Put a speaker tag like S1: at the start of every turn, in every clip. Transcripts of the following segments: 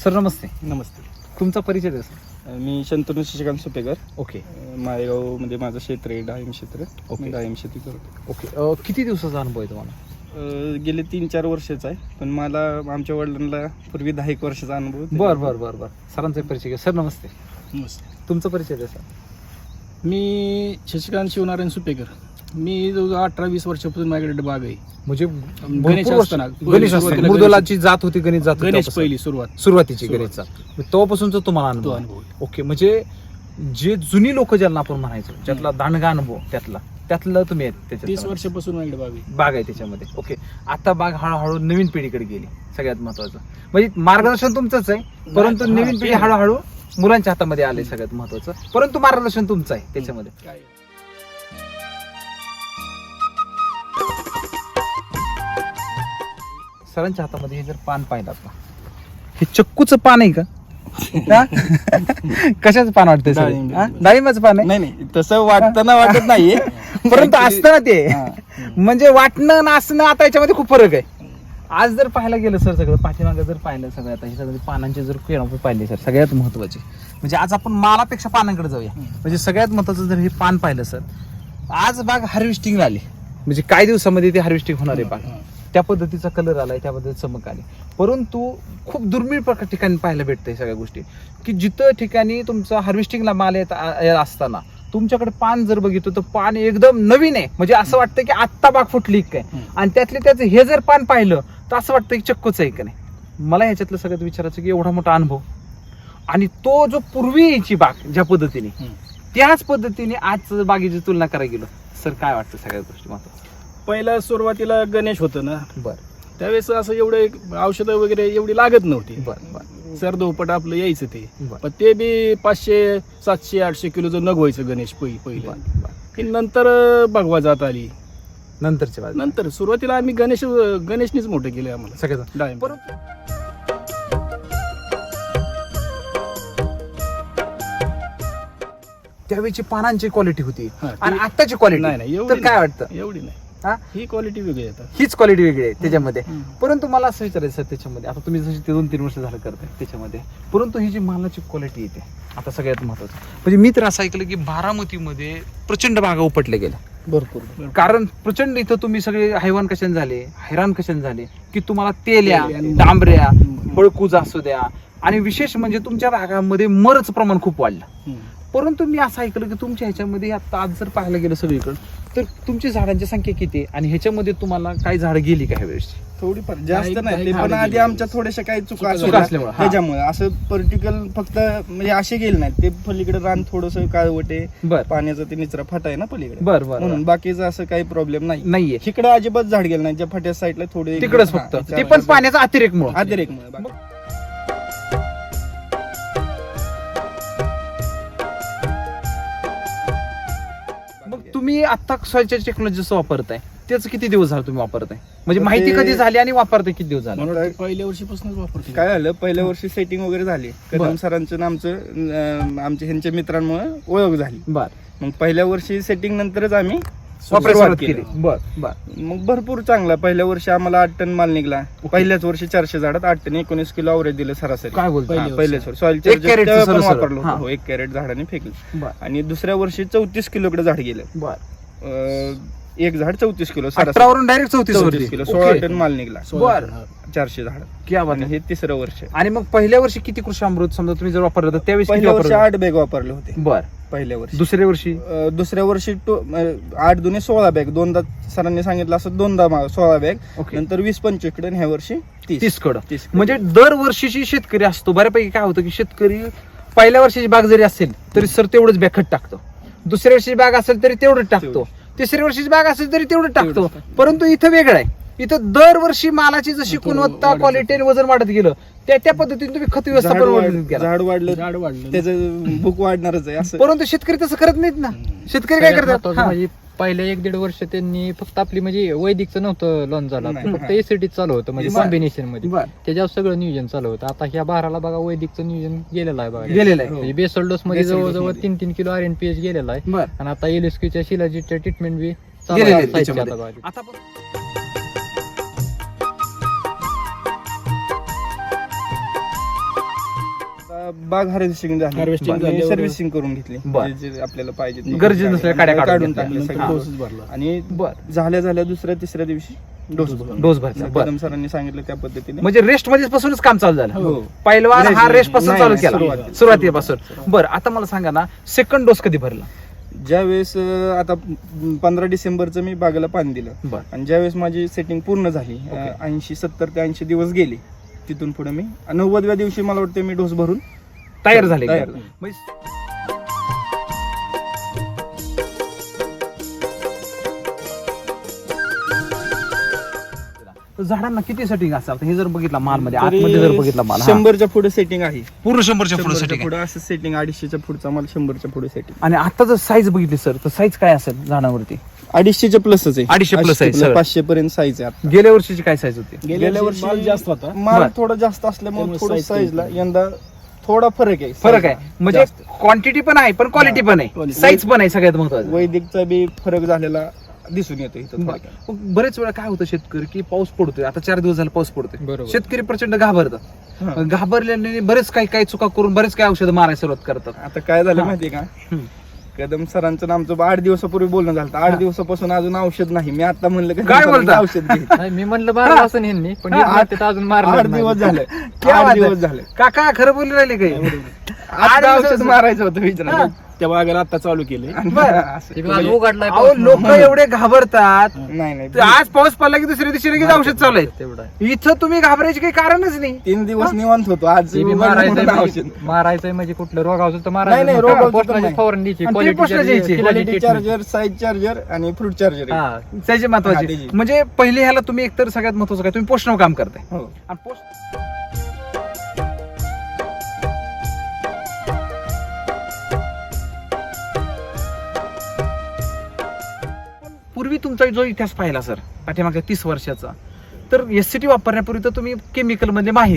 S1: Sir नमस्ते.
S2: नमस्ते.
S1: तुमचा परिचय द्या सर.
S2: मी शंतनू शशिकांत सुपेकर.
S1: ओके
S2: माळेगावमध्ये माझं क्षेत्र आहे, डाळिंब क्षेत्र.
S1: ओके.
S2: मी डाळिंब शेती करतो.
S1: ओके किती दिवसाचा अनुभव आहे तुम्हाला?
S2: गेले 3-4 वर्षाचा आहे, पण मला आमच्या वडिलांना पूर्वी 10 वर्षाचा अनुभव आहे.
S1: बरं सरांचा परिचय घ्या. सर नमस्ते.
S3: नमस्ते.
S1: तुमचा परिचय द्या सर.
S3: मी शशिकांत शिवनारायण सुपेकर. मी जवळजवळ 18-20 वर्षापासून माझ्याकडे बाग आहे.
S1: म्हणजे
S3: गणेश
S1: भरपूर वर्ष-
S3: असताना.
S1: गणेश असताना.
S3: सुरुवातीला
S1: मुदलाची जात होती, गणेश जात होती
S3: गणेश
S1: तेव्हापासून.
S3: पहिली
S1: सुरुवातीची
S3: सुरुवात.
S1: गणेशचा तेव्हापासूनचा तुम्हाला
S3: तो
S1: अनुभव आहे.
S3: अनुभव आहे.
S1: ओके म्हणजे जे जुनी लोक ज्यांना आपण म्हणायचो ज्यातला दांडगा अनुभव त्यातलं तुम्ही आहेत
S3: 30
S1: त्याच्यात
S3: वर्षापासून माझ्याकडे बाग आहे.
S1: बाग आहे त्याच्यामध्ये. ओके आता बाग हळूहळू नवीन पिढीकडे गेली. सगळ्यात महत्वाचं म्हणजे मार्गदर्शन तुमचंच आहे, परंतु
S3: हा,
S1: नवीन
S3: ते
S1: पिढी
S3: आहे.
S1: हळूहळू मुलांच्या हातामध्ये आले. सगळ्यात महत्वाचं परंतु मार्गदर्शन तुमचं आहे त्याच्यामध्ये.
S3: काय?
S1: सरांच्या हातामध्ये हे जर पान पाहिलात ना, हे चक्कूचं पान आहे का? हा? कशाचं पान वाटतंय सर?
S3: डाळिंब.
S1: हा? डाळिंबाचं पान आहे.
S2: नाही तसं वाटताना वाटत नाहीये.
S1: परंतु
S2: Actually-
S1: असतं ना ते
S2: हा.
S1: म्हणजे वाटणं नसणं आता याच्यामध्ये खूप फरक आहे. आज जर पाहायला गेलं सर सगळं पाठीमागं जर पाहिलं सगळं आता हे सगळं पानांचे जर आपण पाहिले सर सगळ्यात महत्वाचे म्हणजे आज आपण मालापेक्षा पानांकडे जाऊया. म्हणजे सगळ्यात महत्वाचं जर हे पान पाहिलं सर, आज बाग हार्वेस्टिंगला आली म्हणजे काही दिवसामध्ये ते हार्वेस्टिंग होणार आहे बाग. त्या पद्धतीचा कलर आलाय, त्या पद्धतीची चमक आली. परंतु खूप दुर्मिळ प्रकार ठिकाणी पाहायला भेटतंय सगळ्या गोष्टी की जिथं ठिकाणी तुमचा हार्वेस्टिंगला माल येत असताना तुमच्याकडे पान जर बघितलं तर पान एकदम नवीन आहे. म्हणजे असं वाटतं की आत्ता बाग फुटली काय. आणि त्यातले त्याचं हे जर पान पाहिलं तर असं वाटतं की चक्कूच आहे का नाही. मला ह्याच्यातलं सगळ्यात विचारायचं की एवढा मोठा अनुभव आणि तो जो पूर्वी यायची बाग ज्या पद्धतीने त्याच पद्धतीने आज बागेची तुलना करायला गेलो सर काय वाटतं सगळ्या गोष्टी महत्वाचं?
S3: पहिला सुरुवातीला गणेश होतं ना,
S1: बरं
S3: त्यावेळेस असं एवढं औषधं वगैरे एवढी लागत नव्हती.
S1: बरं
S3: सरदोपट आपलं यायचं ते.
S1: बरं.
S3: पण ते बी 500, 700, 800 किलोचं नग व्हायचं गणेश पहिले. की नंतर भगवा जात आली.
S1: नंतरच्या बाजू
S3: नंतर सुरुवातीला आम्ही गणेशनीच मोठं केलं आम्हाला
S1: सगळ्याचं.
S3: डाळिंब.
S1: परंतु त्यावेळीची पानांची क्वालिटी होती
S3: हा,
S1: आणि
S3: ती-
S1: आत्ताची क्वालिटी
S3: नाही
S1: तर काय वाटतं?
S3: एवढी नाही.
S1: हा?
S3: ही क्वालिटी वेगळी येतात.
S1: हीच क्वालिटी वेगळी आहे त्याच्यामध्ये.
S3: हम्म.
S1: परंतु मला असं विचारायचं सर त्याच्यामध्ये आता तुम्ही जशी 2-3 वर्ष झालं करताय त्याच्यामध्ये, परंतु ही जी मालाची क्वालिटी येते आता सगळ्यात महत्वाचं म्हणजे मी तर असं ऐकलं की बारामतीमध्ये प्रचंड बागा उपटल्या गेल्या.
S3: भरपूर.
S1: कारण प्रचंड इथं तुम्ही सगळे हैवान कशाने झाले, हैराण कशाने झाले की तुम्हाला तेल्या,
S3: तेल आणि-
S1: डांबऱ्या, फळकूज असू द्या आणि विशेष म्हणजे तुमच्या भागामध्ये मरच प्रमाण खूप वाढलं.
S3: हम्म.
S1: परंतु मी असं ऐकलं की तुमच्या ह्याच्यामध्ये आता आज जर पाहायला गेलं सगळीकडे तर तुमची झाडांची संख्या किती आहे आणि ह्याच्यामध्ये तुम्हाला काही झाड गेली का ह्यावेळेस?
S2: थोडीफार जास्त
S3: काही-
S2: नाही, ते
S3: काही
S2: पण
S3: झाडं
S2: आधी
S3: गेली.
S2: आमच्या थोड्याशा काही चुका
S3: चुका
S2: असल्या
S1: असल्यामुळे, हा.
S2: त्याच्यामुळे असं पर्टिक्युलर फक्त म्हणजे असे गेले नाहीत. ते पलीकडे रान थोडस काळवटे
S1: बर
S2: पाण्याचा ते निचरा फाटा आहे ना पलीकडे,
S1: बर बर
S2: म्हणून बाकीचं असं काही प्रॉब्लेम नाही.
S1: नाहीये
S2: इकडे अजिबात झाड गेलं नाही. ज्या फाट्या साईडला थोडे
S1: तिकडच फक्त ते पण पाण्याचा अतिरेक मुळे.
S2: अतिरेक
S1: मग तुम्ही आता सॉइलच्या टेक्नॉलॉजीचं वापरताय त्याचं किती दिवस झालं तुम्ही वापरताय म्हणजे
S2: तर
S1: माहिती
S2: ते-
S1: कधी झाली आणि वापरताय किती दिवस झाले?
S3: म्हणून पहिल्या वर्षीपासूनच वापरतो.
S2: काय झालं, पहिल्या वर्षी सेटिंग वगैरे झाली.
S1: बरं.
S2: कदम सरांचं आणि आमचं आमच्या ह्यांच्या मित्रांमुळे ओळख झाली.
S1: बर
S2: मग पहिल्या वर्षी सेटिंग नंतरच आम्ही
S1: वापरायला
S2: सुरुवात
S1: सुरुवात केली.
S2: केली.
S1: बर बर
S2: मग भरपूर चांगला. पहिल्या वर्षी आम्हाला 8 टन माल निघला. पहिल्याच वर्षी 400 झाडात 8 टन 19 किलो अवरेज दिलं सरासरी.
S1: काय बोलतो?
S3: पहिल्या
S2: पहिल्याच वर्षी सॉइल
S1: एक कॅरेटचं
S2: पण
S1: सरळ सरळ.
S2: वापरलं
S1: हा.
S2: होतं. हो, 1 कॅरेट झाडाने फेकलं.
S1: बर
S2: आणि दुसऱ्या वर्षी 34 किलोकडे झाड गेलं.
S1: बर
S2: एक झाड 34 किलो
S1: 18 वरून डायरेक्ट 34
S2: 34 किलो 16 टन माल निघला.
S1: बर
S2: 400 झाड.
S1: क्या बात
S2: आणि
S1: आहे.
S2: हे तिसरं वर्ष.
S1: आणि मग पहिल्या वर्षी किती कृषी अमृत समजा तुम्ही जर वापरलं तर त्यावेळेस किती
S2: पहिल्या वर्षी
S1: वापरलं?
S2: 8 बॅग वापरले होते.
S1: बर
S2: पहिल्या वर्षी.
S1: दुसऱ्या वर्षी
S2: दुसऱ्या वर्षी 8 दुने 16 बॅग. दोनदा सरांनी सांगितलं असं 16 बॅग.
S1: ओके
S2: नंतर 20-25 कडे आणि ह्या वर्षी
S1: 30 कडं
S2: 30
S1: म्हणजे दरवर्षीची शेतकरी असतो बऱ्यापैकी काय होतं की शेतकरी पहिल्या वर्षीची बाग जरी असेल तरी सर तेवढंच बॅग खत टाकतो, दुसऱ्या वर्षीची बाग असेल तरी तेवढंच टाकतो, तिसऱ्या वर्षीची बाग असेल तरी तेवढं टाकतो. परंतु इथं वेगळं आहे. इथं दरवर्षी मालाची जशी गुणवत्ता क्वालिटी आणि वजन वाढत गेलं त्या पद्धतीने तुम्ही खत व्यवस्थापन वाढत गेला.
S2: झाड वाढलं
S3: झाड वाढलं.
S2: त्याचं भूक वाढणारच आहे असं.
S1: परंतु शेतकरी तसं करत नाहीत ना. शेतकरी काय
S4: सगळ्यात
S1: करतात?
S4: महत्त्वाचं
S1: हा.
S4: म्हणजे पहिल्या 1-1.5 वर्ष त्यांनी फक्त आपली म्हणजे वैदिकचं नव्हतं लॉन्च झालं
S2: नाही.
S4: फक्त एसीडी चालू होतं म्हणजे
S1: बरं.
S4: कॉम्बिनेशन मध्ये
S1: बर
S4: त्याच्यावर सगळं नियोजन चालू होतं. आता ह्या बाराला बघा वैदिकचं नियोजन गेलेलं आहे बघा
S1: गेलेलं आहे.
S4: म्हणजे बेसल डोस मध्ये
S2: Basal dose
S4: जवळजवळ
S2: मध्ये.
S4: 3-3 किलो RNPH गेलेला आहे
S1: बर
S4: आणि आता एलएसक्यूच्या शिलाजीच्या ट्रीटमेंट बी
S1: गेलेलं आहे
S4: चालू
S1: त्याच्यामध्ये.
S4: आहे आता
S1: आता पण
S2: बाग हार्वेस्टिंग
S3: Harvesting
S2: झाली
S3: झाल्यावर-
S2: सर्व्हिसिंग करून घेतली
S1: बरं.
S2: जे आपल्याला पाहिजे
S1: गरजेचं नसलेल्या काड्या काढून
S2: टाकल्या
S3: नंतर
S2: सगळ्या.
S3: डोसेस भरला.
S2: आणि
S1: बरं.
S2: झाल्या दुसऱ्या तिसऱ्या दिवशी डोस
S1: डोस भरचा बरं.
S2: कदम सरांनी सांगितलं त्या पद्धतीने
S1: म्हणजे रेस्ट मध्ये पासूनच काम चालू झालं
S2: हो.
S1: पहिलवान हा
S2: नाही,
S1: रेस्ट पासून
S2: नाही,
S1: चालू
S2: नाही,
S1: केला सुरुवातीपासून बरं. आता मला सांगा ना सेकंड डोस कधी भरला?
S2: ज्यावेळेस आता 15 डिसेंबरचं मी बागेला पाणी दिलं
S1: बरं
S2: आणि ज्यावेळेस माझी सेटिंग पूर्ण झाली 70 ते 80 दिवस गेले तिथून पुढे मी 90व्या दिवशी मला वाटतं मी डोस भरून
S1: तयार झाले
S2: तयार.
S1: म्हणजे झाडांना किती सेटिंग असतात हे जर बघितला माल मध्ये आतमध्ये जर बघितला माल हा.
S2: 100च्या पुढे सेटिंग आहे
S1: पूर्ण 100च्या पुढे
S2: 100च्या
S1: सेटिंग
S2: पुढे असं सेटिंग 250च्या पुढचा माल 100च्या पुढे सेटिंग
S1: आणि आता जर साईज बघितली सर तर साईज काय असेल झाडावरती?
S2: 250च्या प्लसच आहे
S1: 250 plus आहे, सर.
S2: 500 पर्यंत साईज आहे आता.
S1: गेल्या वर्षीची काय साईज होती?
S3: गेल्या वर्षी माल जास्त होता.
S2: माल
S1: बरं.
S2: थोडा जास्त असल्यामुळे
S3: त्यामुळे
S2: थोडं
S3: size
S2: साईजला
S3: कमी.
S2: यंदा थोडा फरक आहे
S1: फरक आहे म्हणजे
S2: जास्त.
S1: क्वांटिटी पण आहे पण क्वालिटी पण आहे
S3: Quality.
S1: साईज पण आहे सगळ्यात महत्वाचं.
S2: वैदिकचा बी फरक झालेला दिसून येतो इथं थोडक्यात.
S1: मग बरेच वेळा काय होतं शेतकरी की पाऊस पडतोय आता 4 दिवस झाला पाऊस पडतोय
S4: बरोबर.
S1: शेतकरी प्रचंड घाबरतात
S2: हा.
S1: घाबरल्याने बरेच काही चुका करून बरेच काही औषधं मारायला सुरुवात करतात.
S2: आता काय झालं
S1: हा.
S2: माहितीये का
S1: हम्म.
S2: कदम सरांचं आमचं 8 दिवसापूर्वी बोलणं झालं 8
S1: हा.
S2: दिवसापासून अजून औषध नाही मी आता म्हणलं कदम
S1: काय
S2: सरांचं
S1: बोलता?
S2: औषध घे.
S4: नाही, मी म्हणलं मारलं असं ह्यांनी पण हे
S1: हा.
S4: म्हणतात अजून
S2: 8
S4: मारलं
S2: दिवस झाले
S1: क्या
S2: 8
S1: बात
S2: दिवस
S1: आहे.
S2: झाले
S1: काका खरं बोलू राहिले काही
S2: आता
S1: दिवस
S2: औषध मारायचं होतं विचारा
S1: हा.
S3: त्या बागेला आता चालू केले.
S1: बरं.
S4: उघडलाय
S1: अहो लोक एवढे घाबरतात
S2: नाही नाही
S1: तर आज पाऊस पडला की दुसऱ्या दिवशी लगेच औषध चालू आहे.
S4: तेवढा आहे.
S1: इथं तुम्ही घाबरायची काही कारणच नाही.
S2: 3 दिवस निवांत होतो आज
S4: ते बी
S2: उघडलं
S4: मारायचंय
S2: म्हणून
S4: म्हणजे-
S2: औषध
S4: मारायचंय म्हणजे कुठलं रोग औषध तर
S2: नाही, नाही,
S4: मारायचं
S2: रोग औषध
S4: पोस्टाची
S2: नाही.
S4: फवारणी द्यायची,
S1: आणि ते
S4: quality
S1: पोस्टाची
S4: charger,
S1: द्यायची.
S4: quality
S2: quality
S4: treatment.
S2: Charger size charger आणि फ्रूट चार्जर
S4: हा.
S1: त्याची
S2: हा,
S1: महत्वाची
S2: त्याची.
S1: म्हणजे पहिले ह्याला तुम्ही एकतर सगळ्यात महत्वाचं काय तुम्ही पोषणावर काम करताय
S2: हो
S1: आणि पोस्ट पूर्वी तुमचा जो इतिहास पाहिला सर पाठीमागच्या 30 वर्षाचा तर एससीटी वापरण्यापूर्वी तर तुम्ही केमिकल मध्ये माहीर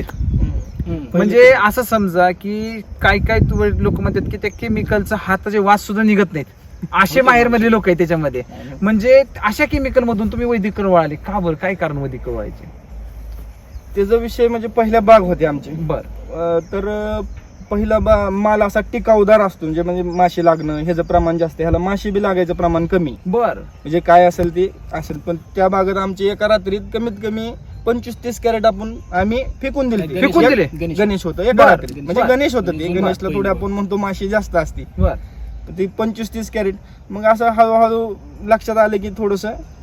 S1: म्हणजे असं समजा की काय लोक म्हणतात की त्या केमिकलचा हाताचे वास सुद्धा निघत नाहीत असे माहेर मधले लोक आहेत त्याच्यामध्ये म्हणजे अशा केमिकल मधून तुम्ही वैदिक वळाले का बरं काय कारण वैदिक वळायचे?
S2: त्याचा विषय म्हणजे पहिल्या बाग होते आमचे
S1: बर
S2: तर पहिला माल असा टिकाऊदार असतो म्हणजे माशी लागणं ह्याचं प्रमाण जास्त आहे. ह्याला माशी बी लागायचं प्रमाण कमी
S1: बर
S2: म्हणजे काय असेल ते असेल पण त्या बागेत आमची एका रात्रीत कमीत कमी 25-30 कॅरेट आम्ही फेकून दिले
S1: फेकून दिले?
S2: गणेश होतं एका
S1: बरं.
S2: रात्रीत म्हणजे
S1: बरं.
S2: गणेश होतं ते
S3: बरं.
S2: गणेशला थोडी आपण म्हणतो माशी जास्त असते
S1: बर
S2: तर ती 25-30 कॅरेट मग असं हळूहळू लक्षात आलं की थोडस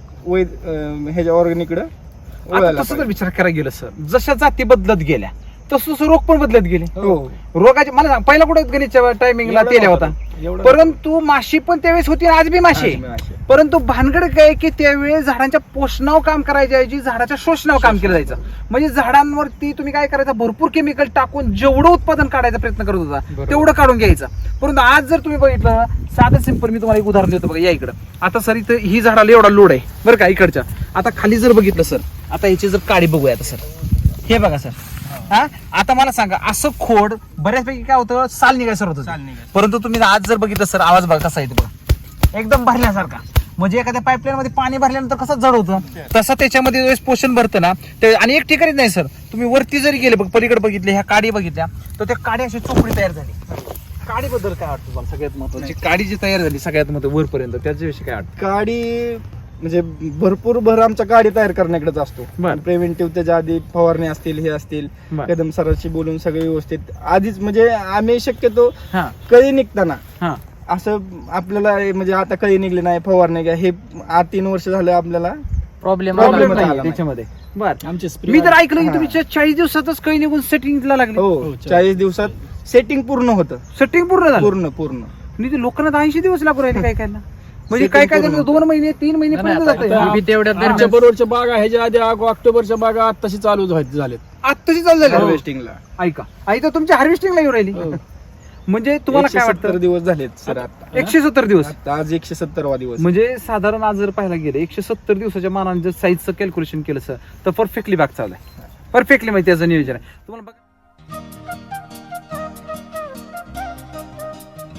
S2: ह्याच्या ऑर्गॅनिकडे
S1: आता तसं जर विचार करायला गेलं सर जशा जाती बदलत गेल्या तसं रोग पण बदलत गेले
S2: हो
S1: रोगाचे मला सांग पहिला कुठे गणेशच्या टायमिंगला तेल्या होता परंतु माशी पण त्यावेळेस होती आणि आज बी माशी आहे. परंतु भानगड काय की त्यावेळेस झाडांच्या पोषणावर काम करायच्या ऐवजी झाडाच्या शोषणावर काम केलं जायचं म्हणजे झाडांवरती तुम्ही काय करायचं भरपूर केमिकल टाकून जेवढं उत्पादन काढायचा प्रयत्न करत होता
S4: बरोबर.
S1: तेवढं काढून घ्यायचं परंतु आज जर तुम्ही बघितलं साधं सिंपल मी तुम्हाला एक उदाहरण देतो बघा या इकडं आता सर इथं ही झाडाला एवढा लोड आहे बरं का इकडच्या आता खाली जर बघितलं सर आता याची जर काडी बघूया आता सर हे बघा सर हा आता मला सांगा असं खोड बऱ्याचपैकी काय होतं साल निघाय सर होतं परंतु तुम्ही आज जर बघितलं सर आवाज बघा कसा येतो बघा एकदम भरल्यासारखा म्हणजे एखाद्या पाईपलाईन मध्ये पाणी भरल्यानंतर कसं जड होतं तसं त्याच्यामध्ये ज्यावेळेस पोषण भरतं ना ते आणि एक ठिकाणीच नाही सर तुम्ही वरती जरी गेले बघ पलीकडे बघितले ह्या काडी बघितल्या तर त्या काडी अशी चोपडी तयार झाली काडीबद्दल काय वाटतं तुम्हाला सगळ्यात महत्वाची काडी जी तयार झाली सगळ्यात महत्व वरपर्यंत त्याच्याविषयी काय वाटतं?
S2: काडी म्हणजे भरपूर भर आमच्या गाडी तयार करण्याकडेच असतो
S1: बरं.
S2: प्रिव्हेंटिव्ह त्याच्या आधी फवारणी असतील हे असतील
S1: बरं.
S2: कदम सरांशी बोलून सगळे व्यवस्थित आधीच म्हणजे आम्ही शक्यतो
S1: हा
S2: कळी निघताना
S1: हा
S2: असं आपल्याला म्हणजे आता कळी निघली नाही फवारणी घ्या हे 3 वर्ष झालं आपल्याला
S4: प्रॉब्लेम
S1: प्रॉब्लेम
S2: आला
S1: नाही
S2: नाही.
S1: त्याच्यामध्ये बर
S3: आमचे
S1: मी तर ऐकलं की
S2: हा.
S1: तुम्ही 40 दिवसातच काही निघून सेटिंगला लागले
S2: हो
S3: हो,
S2: 40 दिवसात सेटिंग पूर्ण होतं
S1: सेटिंग पूर्ण झालं
S2: पूर्ण
S1: आणि ते लोकांना 80 दिवस लागू राहिले काय काय म्हणजे
S2: Setting
S1: काय काय
S2: पूर्ण
S1: 2 महिने 3 महिने पर्यंत जाते
S3: आता-
S4: मी तेवढ्या
S3: आमच्या
S4: दरम्यान
S3: बरोबरच्या बागा ह्याच्या आधी ऑक्टोबरच्या बागा आत्ताशी चालू झालेत.
S1: आत्ताची चालू झाली
S2: हार्वेस्टिंगला
S1: ऐका आई तर तुमच्या हार्वेस्टिंगला येऊ राहिली
S3: हो.
S1: म्हणजे तुम्हाला काय
S2: 170
S1: वाटतं
S2: दिवस झालेत सर आता
S1: 170 दिवस
S2: आता आज 170वा दिवस
S1: म्हणजे साधारण आज जर पाहायला गेलं 170 दिवसाच्या मानाने जर साईजचं कॅल्क्युलेशन केलं सर तर परफेक्टली बाग चालू आहे परफेक्टली माहिती त्याचं नियोजन आहे तुम्हाला बघा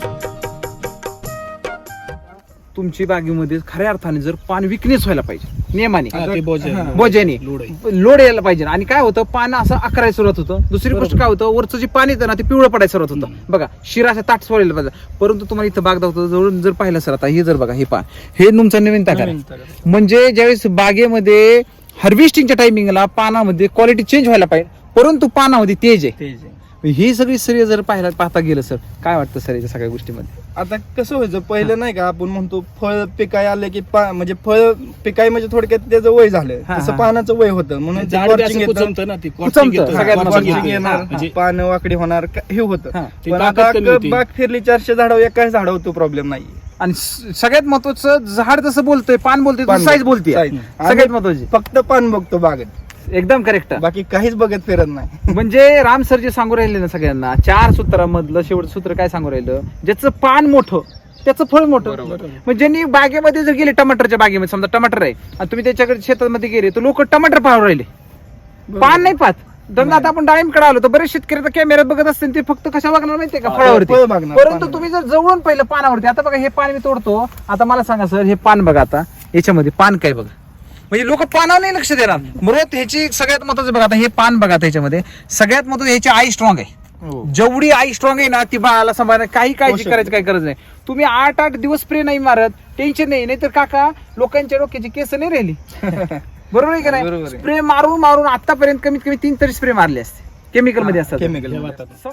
S1: तुमची बागेमध्ये खऱ्या अर्थाने जर पान विकनेस व्हायला पाहिजे नियमाने
S3: हा, ते
S1: बोजाने
S3: लोड आहे.
S1: लोड यायला पाहिजे आणि काय होतं पानं असं अकरायला सुरुवात होतं. दुसरी गोष्ट काय होतं वरचं जे पाणी येतं ना ते पिवळं पडायला सुरुवात होतं. बघा शिरा अशा ताट सोडायला पाहिजे. परंतु तुम्हाला इथं बाग दाखवतो जवळून जर पाहिलं सर आता हे जर बघा हे पहा हे तुमचा नवीन ताकार आहे. म्हणजे ज्यावेळेस बागेमध्ये हार्वेस्टिंगच्या टायमिंगला पानामध्ये क्वालिटी चेंज व्हायला पाहिजे परंतु पानामध्ये तेज आहे. ही सगळी श्रेय जर पाहता गेलं सर काय वाटतं सर याच्या सगळ्या गोष्टीमध्ये?
S2: आता कसं व्हायचं पहिलं नाही का आपण म्हणतो फळ पिकाय आले की म्हणजे फळ पिकाय म्हणजे थोडक्यात त्याचं वय झालं
S1: हा,
S2: तसं
S1: हा.
S2: पानाचं वय होतं म्हणून ते
S3: झाड बी
S2: corching
S3: असं
S2: येतं.
S3: कुचमतं ना, ते
S1: कुचमतं,
S3: corching येतं.
S1: सगळ्यात
S3: corching
S1: महत्त्वाचं.
S2: Corching
S3: येतं.
S2: येणार
S3: म्हणजे
S2: पानं वाकडी होणार हे होतं
S1: हा.
S3: ती
S2: पण
S3: ताकद
S2: आता
S3: कमी होती.
S2: बाग फिरली 400 झाडावर एकाच झाडावर तो प्रॉब्लेम नाही.
S1: आणि सगळ्यात महत्वाचं झाड जसं बोलतोय पान बोलतोय
S2: पान
S1: साईज
S2: बोलतोय,
S1: बोलते
S2: size.
S1: सगळ्यात महत्वाची
S2: फक्त पान बघतो बागेत
S1: एकदम करेक्ट.
S2: बाकी काहीच बघत फिरत नाही.
S1: म्हणजे राम सर जे सांगू राहिले ना सगळ्यांना 4 सूत्रामधलं शेवटचं सूत्र काय सांगू राहिलं ज्याचं पान मोठं त्याचं फळ मोठं. म्हणजे ज्यांनी बागेमध्ये जर गेले टमाटरच्या बागेमध्ये समजा टमाटर आहे आणि तुम्ही त्याच्याकडे शेतामध्ये गेले तर लोक टमाटर पाहून राहिले पान नाही पाहत. समजा आता आपण डाळिंबकडे आलो तर बरेच शेतकरी तर कॅमेऱ्यात बघत असतील ते फक्त कशा बघणार माहितीये का फळावरती.
S2: फळ बघणार,
S1: परंतु
S2: पान
S1: तुम्ही जर जवळून पहिलं पानावरती आता बघा हे पान मी तोडतो आता मला सांगा सर हे पान बघा आता याच्यामध्ये पान काय बघा म्हणजे लोक पानावर नाही लक्ष देणार. बरोबर ह्याची सगळ्यात महत्वाचं बघा आता हे पान बघा त्याच्यामध्ये सगळ्यात महत्वाचं ह्याची आई स्ट्रॉंग आहे.
S2: हो.
S1: जेवढी आई स्ट्रॉंग आहे ना ती बाळाला सांभाळणार काही काळजी करायची काही गरज नाही. तुम्ही 8 दिवस स्प्रे नाही मारत टेन्शन नाही तर काका लोकांच्या डोक्याची केस नाही राहिली. बरोबर आहे का नाही?
S2: बरोबर आहे.
S1: स्प्रे मारून मारून आतापर्यंत कमीत कमी 3 तरी स्प्रे मारले असते केमिकल मध्ये असतात.
S2: केमिकल
S3: हे वातावरण.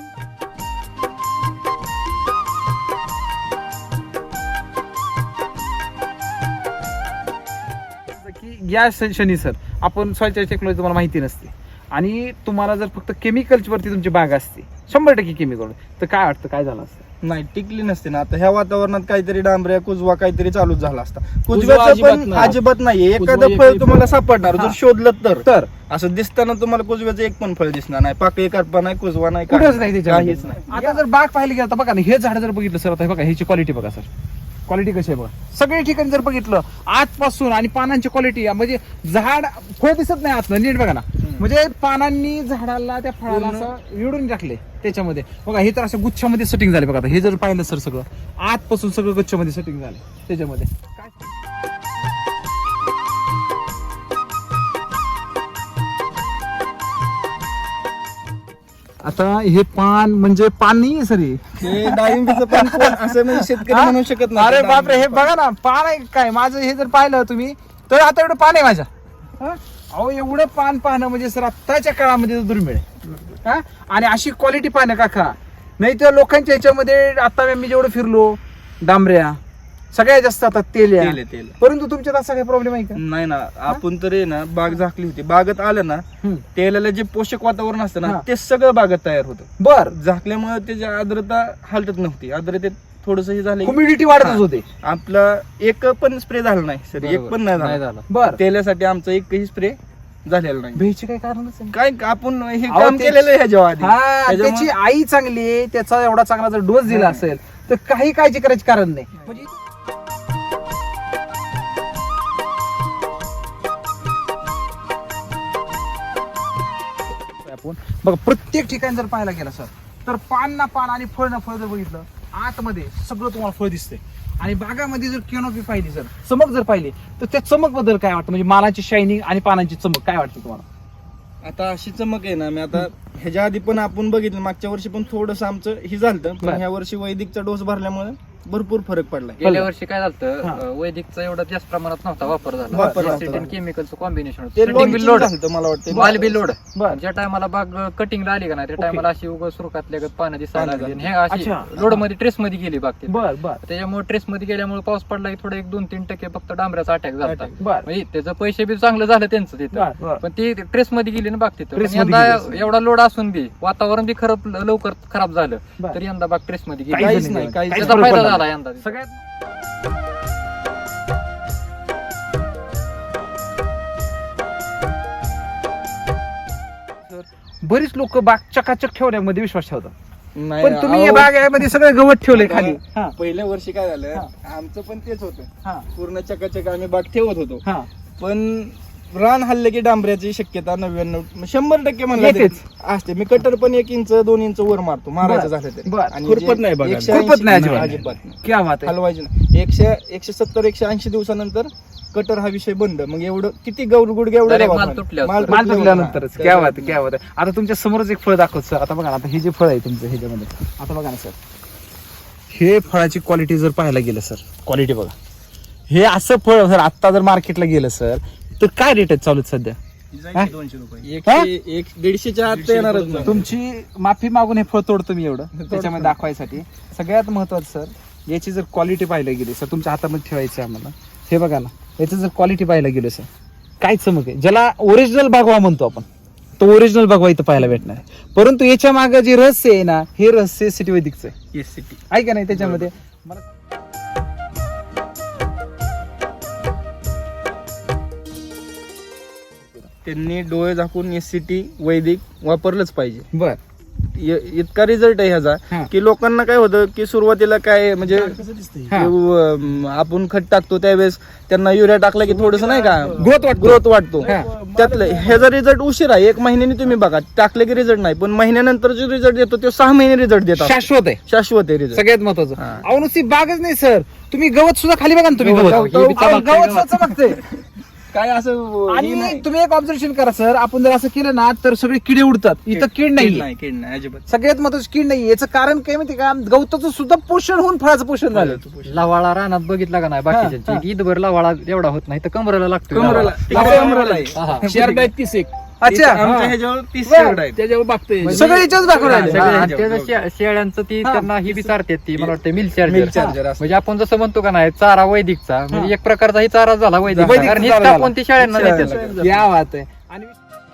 S1: की या शनी सर आपण सॉइल टेक्नॉलॉजी तुम्हाला माहिती नसते आणि तुम्हाला जर फक्त केमिकलची वरती तुमची बाग असते 100% केमिकल तर काय वाटतं काय झालं असतं?
S2: नाही टिकली नसते ना. आता ह्या वातावरणात काहीतरी डांबऱ्या कुजवा काहीतरी चालूच झाला असता.
S3: कुजवा
S2: कुजव्याचं
S3: अजिबात
S2: पण
S3: नाही.
S2: अजिबात नाहीये.
S3: कुजवा
S2: एखादं
S3: एक
S2: फळ
S3: फळ
S2: तुम्हाला सापडणार
S1: हा.
S2: जर शोधलं तर
S1: तर
S2: असं दिसताना तुम्हाला कुजव्याचं एक पण फळ दिसणार नाही. पाकळी करपा नाही कुजवा नाही
S1: कुठंच नाही त्याच्यामध्ये.
S2: काहीच नाही.
S1: आता जर बाग पाहिली गेलं तर बघा ना हे झाड जर बघितलं सर आता हे बघा ह्याची क्वालिटी बघा सर क्वालिटी कशी आहे बघा सगळ्या ठिकाणी जर बघितलं आजपासून आणि पानांची क्वालिटी म्हणजे झाड फळ दिसत नाही आतनं नीट बघा ना म्हणजे पानांनी झाडाला त्या फळाला असं विडून टाकले त्याच्यामध्ये बघा हे तर असं गुच्छामध्ये सेटिंग झाले बघा आता हे जर पाहिलं सर सगळं आजपासून सगळं गुच्छामध्ये सेटिंग झाले त्याच्यामध्ये काय आता हे पान म्हणजे पान नाही सर
S2: हे डाळिंबीचं पण कोण असं म्हणजे शेतकरी म्हणू शकत नाही.
S1: अरे बापरे हे बघा ना पान आहे काय माझं हे जर पाहिलं तुम्ही तर आता एवढं पान आहे माझ्या हा? अहो एवढं पान पाहणं म्हणजे सर आत्ताच्या काळामध्ये दुर्मिळ आहे हा? आणि अशी क्वालिटी पाहणं काका नाही तर लोकांच्या ह्याच्यामध्ये आता मी जेवढं फिरलो डांबऱ्या सगळ्यात जास्त आता तेल आहे.
S2: तेल आहे, तेल आहे.
S1: परंतु तुमच्यात असा काही प्रॉब्लेम आहे का?
S2: नाही ना आपण तरी ना बाग झाकली होती. बागेत आलं ना
S1: हम्म.
S2: तेलाला जे पोषक वातावरण असतं
S1: हा.
S2: ना ते सगळं बागेत तयार होतं.
S1: बर
S2: झाकल्यामुळे त्याची आर्द्रता हलतच नव्हती. आर्द्रतेत थोडस हे झालं की
S1: ह्युमिडिटी वाढतच होते.
S2: आपला एक पण स्प्रे झाला नाही सर. एक पण नाही
S4: नाही
S2: झाला.
S4: झालं.
S1: बर
S2: तेलासाठी आमचा एकही स्प्रे झालेला नाही.
S1: भेची काही कारणच नाही.
S2: काय आपण हे
S1: अहो,
S2: काम
S1: ते-
S2: केलेलं आहे ह्याच्या आधी.
S1: हा
S2: त्याच्यामुळे-
S1: त्याची आई चांगली आहे त्याचा एवढा चांगला जर डोस दिला असेल तर काही काळजी करायची कारण नाही. म्हणजे आपण बघा प्रत्येक ठिकाणी जर पाहायला गेला सर तर पान ना पान आणि फळ ना फळ जर बघितलं आतमध्ये सगळं तुम्हाला फळ दिसतंय आणि बागामध्ये जर कॅनोपी पाहिली सर चमक जर पाहिली तर त्या चमक बद्दल काय वाटतं म्हणजे मालाची शायनिंग आणि पानांची चमक काय वाटतं तुम्हाला?
S2: आता अशी चमक आहे ना मी आता ह्याच्या आधी पण आपण बघितलं मागच्या वर्षी पण थोडस आमचं हे झालं
S1: बरं.
S2: पण ह्या वर्षी वैदिकचा डोस भरल्यामुळे भरपूर फरक पडलाय.
S4: गेल्या वर्षी काय
S1: हा.
S4: झालं वैदिकचा एवढा जास्त प्रमाणात नव्हता वापर
S2: वापर
S4: झाला
S2: नव्हता.
S4: केमिकलचं कॉम्बिनेशन
S2: ते
S4: बी लोड
S2: झालं मला वाटतं.
S4: माल बी लोड
S1: बरं.
S4: ज्या टायमाला बाग कटिंगला आली का नाही त्या
S1: ओके.
S4: टायमाला अशी उगा सुरकातल्या गत पानं दिसायला
S2: पानं
S4: लागली आणि हे अशी
S1: अच्छा.
S4: लोड मध्ये ट्रेस मध्ये गेली बाग ती.
S1: बर बर
S4: त्याच्यामुळे ट्रेस मध्ये गेल्यामुळे पाऊस पडला की थोडं 1-2-3% फक्त डांबऱ्याचा अटॅक झाला
S2: Attack.
S1: बर
S4: म्हणजे त्याचं पैसे बी चांगलं झालं त्यांचं
S1: बर,
S4: तिथं
S1: बर.
S4: पण ती ट्रेस मध्ये गेली ना बाग तिथं
S1: Trace
S4: पण
S1: मध्ये
S4: यंदा
S1: गेली.
S4: एवढा लोड असून बी वातावरण बी लवकर खराब झालं
S1: बर.
S4: तर यंदा बाग ट्रेस मध्ये
S1: काहीच
S4: गेली
S2: काहीच नाही, काहीच
S1: काहीच
S4: त्याचा
S1: फरक
S4: फायदा
S1: पडला
S4: झाला
S1: नाही.
S4: यंदा
S1: सगळ्यात बरीच लोक बाग चकाचक ठेवण्यामध्ये विश्वास ठेवतात
S2: नाही,
S1: पण तुम्ही या
S2: अहो,
S1: बागेमध्ये सगळं गवत ठेवलंय खाली हा,
S2: पहिल्या वर्षी काय झालं
S1: हा.
S2: आमचं पण तेच होतं.
S1: हा,
S2: पूर्ण चकाचक आम्ही बाग ठेवत होतो
S1: हा.
S2: पण रान हल्ले की डांबऱ्याची शक्यता 99% म्हणलं
S1: येतेच.
S2: असते. मी कटर पण 1 इंच 2 इंच वर मारतो मारायचं
S1: बरं.
S2: झालं तरी
S1: बरं.
S2: आणि
S3: खुरपत
S2: जे
S3: नाही बघा.
S2: 180
S1: खुरपत नाही अजिबात.
S2: अजिबात नाही.
S1: क्या बात आहे
S2: हलवायचं नाही. 170-180 दिवसानंतर कटर हा विषय बंद. मग एवढं किती गुडघे एवढं
S4: Direct
S2: गावात
S4: माल
S2: माल.
S4: तुटल्यावर.
S2: माल
S1: माल
S2: तुटल्यानंतरच.
S1: तुटल्यानंतरच क्या बात आहे, क्या बात आहे. आता तुमच्या समोरच एक फळ दाखवत सर. आता बघा ना, आता हे जे फळ आहे तुमचं ह्याच्यामध्ये, आता बघा ना सर, हे फळाची क्वालिटी जर पाहायला गेलं सर, क्वालिटी बघा. हे असं फळ जर आता जर मार्केटला गेलं सर, तर काय रेट आहेत चालू आहेत सध्या? हा?
S3: 200 रुपये.
S2: 100-150च्या आत तर येणारच नाही.
S1: तुमची माफी मागून हे फळ तोडतो मी एवढं त्याच्यामध्ये दाखवायसाठी. सगळ्यात महत्वाचं सर, याची जर क्वालिटी पाहायला गेली सर, तुमच्या हातामध्ये ठेवायची आहे आम्हाला. हे बघा ना, याची जर क्वालिटी पाहायला गेली सर, काय चमक आहे. ज्याला ओरिजिनल भगवा म्हणतो आपण, तो ओरिजिनल भगवा इथं पाहायला भेटणार आहे. परंतु याच्या मागे जे रहस्य आहे ना, हे रहस्य सिटी वैदिकचं आहे.
S2: SCT.
S1: आहे का नाही त्याच्यामध्ये. मला
S2: त्यांनी डोळे झाकून SCT वैदिक वापरलंच पाहिजे.
S1: बर
S2: इतका रिझल्ट आहे
S1: हा.
S2: ह्याचा की लोकांना काय होतं की सुरुवातीला काय म्हणजे
S3: कसं दिसतंय?
S1: हा.
S2: आपण खत टाकतो त्यावेळेस त्यांना युरिया टाकला की थोडस नाही का ग्रोथ वाटतो.
S1: हा.
S2: त्यातलं ह्याचा रिझल्ट उशिरा आहे. 1 महिन्याने तुम्ही बघा टाकले की रिझल्ट नाही, पण महिन्यानंतर जो रिझल्ट देतो तो 6 महिने रिझल्ट देतात.
S1: शाश्वत आहे.
S2: शाश्वत आहे रिझल्ट.
S1: सगळ्यात महत्वाचं.
S2: हा.
S1: अहो नुसती बागच नाही सर, तुम्ही गवत सुद्धा खाली बघा ना, तुम्ही
S2: गवत,
S1: गवत
S2: गवत,
S1: अहो, गवत सुद्धा चमकतंय.
S2: काय असं हे
S1: आणि
S2: नाही.
S1: तुम्ही एक ऑब्झर्वेशन करा सर, आपण जर असं केलं ना तर सगळे किडे उडतात. इथं कीड नाही.
S2: कीड नाही अजिबात.
S1: सगळ्यात महत्वाचं कीड नाही. याचं कारण काय माहिती का, गवताचं सुद्धा पोषण होऊन फळाचं पोषण झालं.
S4: लवाळा रानात बघितला का नाही
S1: हा.
S4: बाकीच्या ईदभर लवाळा एवढा होत नाही तर कमरेला लागतो
S2: कमरेला
S4: लवाळा.
S2: कमरेला आहे.
S4: हा, हा.
S3: शेअर आहेत 30
S1: अच्छा.
S2: आमच्या ह्याच्यावर 30
S1: बरं.
S2: शेड आहेत.
S3: त्याच्यावर बघतोय.
S1: सगळे याच्याच दाखवून राहिले.
S2: सगळे
S4: हा, आणि
S2: ह्याच्यावर.
S4: त्याचं शेळ्यांचं ती
S1: हा.
S4: त्यांना ही बी चारतात ती मला वाटतं मिल
S2: Milk
S4: चार्जर.
S2: charger असतं.
S4: म्हणजे आपण जसं म्हणतो का नाही चारा वैदिकचा
S1: हा.
S4: म्हणजे एक प्रकारचा ही चारा झाला वैदिक,
S1: वैदिकचा
S4: कारण
S1: चारा
S4: हीच
S1: झाला.
S4: कापून ती शेळ्यांना
S2: शेळ्यांना
S4: देतात.
S1: या बात आहे. आणि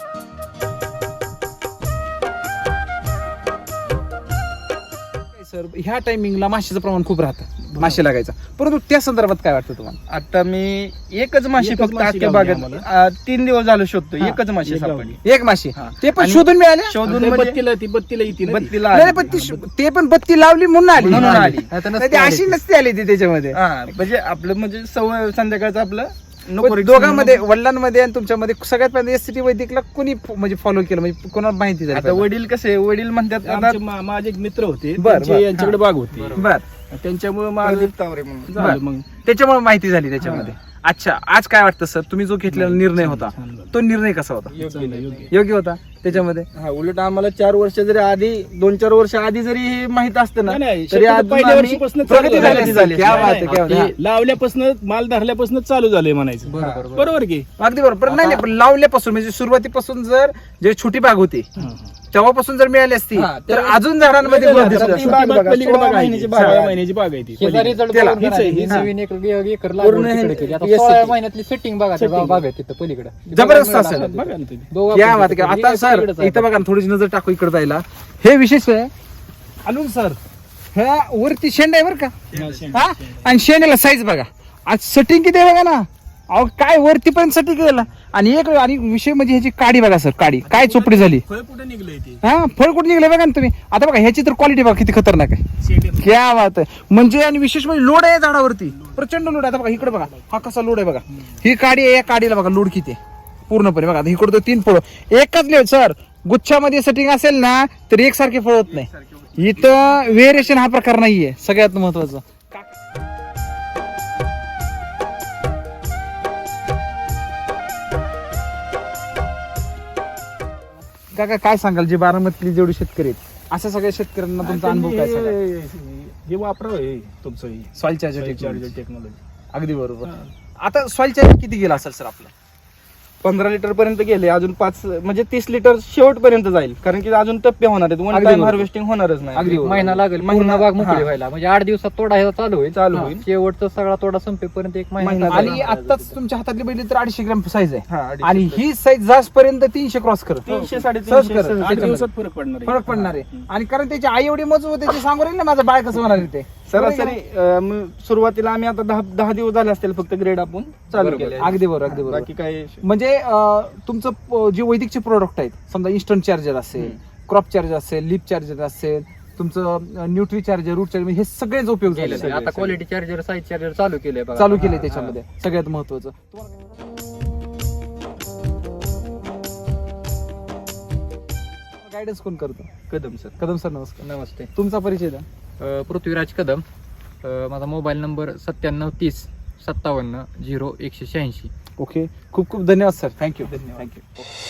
S1: सर ह्या टायमिंगला माशीचं प्रमाण खूप राहतं, माशी लागायचं. परंतु त्या संदर्भात काय वाटतं तुम्हाला?
S2: आता मी एकच माशी
S3: एकच
S2: फक्त
S3: माशी
S2: अख्ख्या
S3: लावली
S2: बागेत 3 दिवस झालं शोधतो.
S1: हा.
S2: एकच माशी
S3: एक
S2: सापडली.
S1: एक माशी,
S2: हा.
S1: ते पण
S2: आणि
S1: शोधून मिळाले.
S2: शोधून
S3: ते
S2: म्हणजे
S3: बत्तीला येते ना ती.
S2: बत्तीला
S1: नाही
S2: आली.
S1: पण ते पण बत्ती लावली म्हणून आली.
S2: म्हणून आली.
S4: नाही तर
S1: नाही,
S4: नसती
S1: ती
S4: आली
S1: अशी
S4: ती.
S1: नसती आली ती त्याच्यामध्ये.
S2: हा म्हणजे आपलं म्हणजे सवय संध्याकाळचं आपलं नको
S1: पण
S2: risk
S1: दोघांमध्ये,
S2: म्हणून.
S1: वडिलांमध्ये आणि तुमच्यामध्ये सगळ्यात पहिल्यांदा SCT वैदिकला कोणी म्हणजे फॉलो केलं, म्हणजे कोणाला माहिती झाली
S2: आता
S1: पहिल्यांदा?
S2: वडील कसे वडील म्हणतात आता
S3: आमचे माझे एक मित्र होते,
S1: बर, बर.
S3: त्यांचे यांच्याकडे बाग होती.
S1: बर,
S3: त्यांच्यामुळे माझं
S2: प्रदीप तावरे म्हणून.
S3: झालं मग.
S1: त्याच्यामुळे माहिती झाली त्याच्यामध्ये. अच्छा, आज काय वाटतं सर, तुम्ही जो घेतलेला निर्णय होता
S3: छान झालं.
S1: तो निर्णय कसा होता?
S3: योग्य.
S1: योग्य होता त्याच्यामध्ये?
S2: हा उलट आम्हाला 4 वर्ष जरी आधी 2-4 वर्ष आधी जरी हे माहित असतं ना
S3: नाही,
S2: तरी
S3: शक्यतो
S2: अजून
S3: पहिल्या
S2: आम्ही
S3: वर्षीपासून
S2: प्रगती
S3: चालू
S2: झाली
S3: झाली.
S1: क्या बात आहे, क्या बात आहे.
S3: ते लावल्यापासून माल धरल्यापासून चालू झालंय म्हणायचं.
S4: बरोबर.
S3: बरोबर की
S1: अगदी बरोबर. पण नाही नाही, पण लावल्यापासून म्हणजे सुरुवातीपासून जर जे छोटी बाग होती तेव्हापासून जर मिळाली असती
S2: हा,
S1: तर
S2: तर
S1: अजून झाडांमध्ये growth दिसत
S2: ती
S1: असतं.
S2: बाग बघा,
S3: पलीकडे
S2: 16
S3: बाग आहे
S2: महिन्याची
S3: ती.
S2: बाग आहे.
S3: 16 महिन्याची बाग आहे ती.
S4: ह्याचा result
S1: त्याला.
S4: बघून
S3: हीच आहे,
S4: ही
S3: हीच
S4: नवीन एकर
S2: पूर्ण
S4: लागवड
S2: हे-
S4: तिकडे केली. आता
S2: SCT.
S4: 16 महिन्यातली सेटिंग बघा त्या
S3: Setting.
S4: बाग आहे तिथं पलीकडे
S1: जबरदस्त असेल.
S3: बघा ना तुम्ही.
S4: दोघं
S1: क्या
S4: आपण
S1: बात आहे.
S4: तिकडे.
S1: आता
S4: हे
S1: सर
S4: पलीकडेच आहे.
S1: इथं बघा ना, थोडीशी नजर टाकू इकडे जायला. हे विशेष आहे अजून सर, ह्या वरती शेंड आहे बरं का, हा, आणि शेंड्याला साईज बघा. आज सेटिंग किती आहे बघा ना. अहो काय वरती पर्यंत सेटिंग केलं. आणि एक आणि विषय म्हणजे ह्याची काडी बघा सर, काडी काय चोपडी झाली.
S3: फळ कुठे निघलंय ते?
S1: हा, फळ कुठे निघले बघा ना तुम्ही. आता बघा ह्याची तर क्वालिटी बघा किती खतरनाक आहे. क्या बात आहे. म्हणजे आणि विशेष म्हणजे लोड आहे झाडावरती, प्रचंड लोड आहे. आता बघा इकडे बघा, हा कसा लोड आहे बघा. ही काडी आहे, या काडीला बघा लोड किती आहे पूर्णपणे. बघा आता इकडे तो 3 फळ एकच लेव सर. गुच्छामध्ये सेटिंग असेल ना तर एकसारखे फळ होत नाही. इथं व्हेरिएशन हा प्रकार नाहीये, सगळ्यात महत्वाचं. काका काय सांगाल, जे बारामतीतले जेवढे शेतकरी आहेत अशा सगळ्या शेतकऱ्यांना तुमचा अनुभव काय सांगाल?
S3: हे वापरावं तुमचं
S1: सॉइल चार्जर
S3: टेक्नॉलॉजी.
S1: अगदी बरोबर. आता सॉइल चार्जर किती गेला असेल सर आपलं?
S2: 15 लिटर पर्यंत गेले. अजून 5 म्हणजे 30 लिटर शेवटपर्यंत जाईल, कारण की अजून टप्पे होणार आहेत. वन
S1: अगदी
S2: टाइम
S1: बरोबर.
S2: हार्वेस्टिंग होणारच नाही.
S1: अगदी बरोबर.
S4: महिना लागेल
S2: महिना-
S4: पूर्ण बाग मोकळी
S2: हा.
S4: व्हायला. म्हणजे 8 दिवसात तोडा ह्याचा चालू होईल.
S2: चालू
S1: हा.
S2: होईल.
S4: शेवटचा सगळा तोडा संपेपर्यंत 1 महिना
S2: महिना
S4: लागेल.
S1: आणि आताच तुमच्या हातातली बघितली तर 250 ग्रॅम साईज आहे.
S2: हा, 250
S1: आणि ही साईज जास्तपर्यंत 300 क्रॉस करत
S2: 300
S1: सहज
S2: 350
S1: करत.
S2: सहज
S3: 8
S2: त्याच्यामध्ये.
S3: दिवसात फरक पडणार आहे.
S1: फरक पडणार आहे. आणि कारण त्याची आई एवढी मजबूत आहे, ते सांगू राहील ना माझं बाळ कसं होणार आहे ते.
S2: सरासरी सुरुवातीला आम्ही आता 10 दिवस झाले असतील फक्त ग्रेड आपण चालू
S1: बरोबर.
S2: केले.
S1: अगदी बरोबर, अगदी बरोबर.
S2: बाकी काय
S1: म्हणजे तुमचं जे वैदिकचे प्रोडक्ट आहेत, समजा इन्स्टंट चार्जर असेल, क्रॉप चार्जर असेल, लिप चार्जर असेल, तुमचं न्यूट्री चार्जर, रूट चार्जर, हे सगळेच उपयोग झाले.
S4: केलेलं आहे. आता क्वालिटी चार्जर साईज चार्जर चालू केलंय बघा.
S1: चालू केले त्याच्यामध्ये. सगळ्यात महत्वाचं गायडन्स कोण करतो?
S2: कदम सर.
S1: कदम सर नमस्कार.
S4: नमस्ते.
S1: तुमचा परिचय द्या.
S4: पृथ्वीराज कदम. माझा मोबाईल नंबर 9730 57 0 186.
S1: ओके, खूप खूप धन्यवाद सर. थँक्यू
S2: धन्यवाद.
S1: थँक्यू.